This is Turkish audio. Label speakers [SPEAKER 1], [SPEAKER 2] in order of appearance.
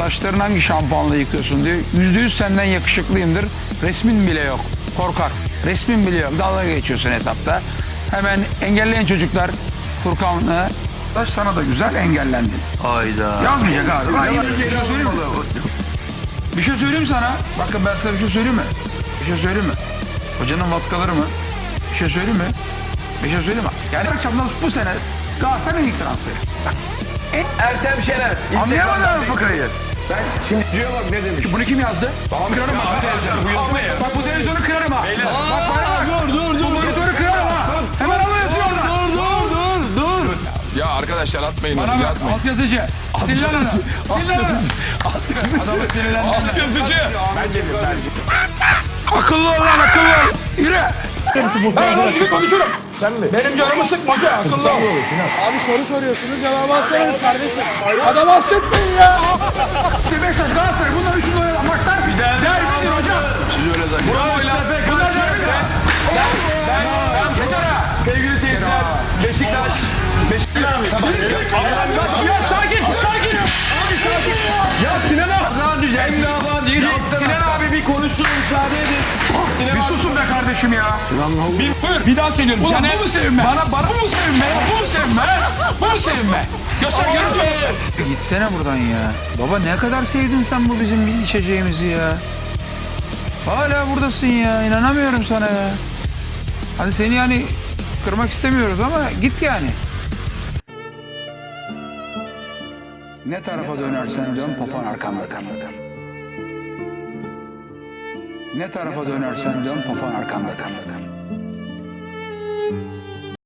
[SPEAKER 1] saçlarını hangi şampuanla yıkıyorsun diyor. %100 senden yakışıklıyımdır. Resmin bile yok. Korkar. Resmin bile yok. Dalga geçiyorsun hesapta. Hemen engelleyen çocuklar Furkan'la saç sana da güzel engellendin.
[SPEAKER 2] Hayda.
[SPEAKER 1] Yazmayacak abi. Bir şey söyleyeyim mi? Bir şey söyleyeyim sana. Bakın ben sana bir şey söyleyeyim mi? Bir şey söyleyeyim mi? Hocanın vatkaları mı? Bir şey söyleyeyim mi? Bir şey söyleyeyim mi? Yani akşamdan bu sene Galatasaray'ın ilk transferi. Bak.
[SPEAKER 2] Ertem Şener.
[SPEAKER 1] Anlayamadın mı fıkrayı?
[SPEAKER 2] Ben şimdi bak ne demiş.
[SPEAKER 1] Bunu kim yazdı? Kırarım ha.
[SPEAKER 2] Bu yazı ne ya?
[SPEAKER 1] Bak bu televizyonu kırarım ha. Bak bana bak. Dur. Bu monitörü kırarım ha. Hemen alıyorsun oradan.
[SPEAKER 3] Dur. Ya arkadaşlar atmayın onu,
[SPEAKER 1] Bana bak
[SPEAKER 3] yazmayın.
[SPEAKER 1] altyazıcı. Sinirlen onu. Sinirlen onu. Adamı sinirlendirme.
[SPEAKER 3] Altyazıcı.
[SPEAKER 1] Akıllı ol lan akıllı ol. Yürü. Ben onun gibi konuşurum. Sen mi? Benim canımı sıkma hoca akıllı ol.
[SPEAKER 4] Abi soru soruyorsunuz cevabı alsanız kardeşim. Adam hastetmeyin ya.
[SPEAKER 1] Beşiktaş Galatasaray bunlar üçünü oynayan maçlar derbidir hocam.
[SPEAKER 3] Siz öyle zannediyorsunuz.
[SPEAKER 1] Bravo'yla bunlar derbidir.
[SPEAKER 3] Sevgili seyirciler, Beşiktaş.
[SPEAKER 1] Sakin.
[SPEAKER 3] Ya Sinan abi. Sinan abi bir konuşsun, müsaade edin.
[SPEAKER 1] Bir susun be kardeşim ya.
[SPEAKER 3] Bir daha söylüyorum.
[SPEAKER 1] Ulan
[SPEAKER 3] Caner,
[SPEAKER 1] bu mu sevinme?
[SPEAKER 3] bu mu sevinme ya? Bu mu sevinme? Bu mu sevinme? Göster görüntü.
[SPEAKER 1] Gitsene buradan ya. Baba ne kadar sevdin sen bu bizim içeceğimizi ya. Hala buradasın ya. İnanamıyorum sana ya. Hadi seni yani kırmak istemiyoruz ama git yani. Ne tarafa dönersen dön papan arkanda. Ne tarafa dönersen dön papan arkanda.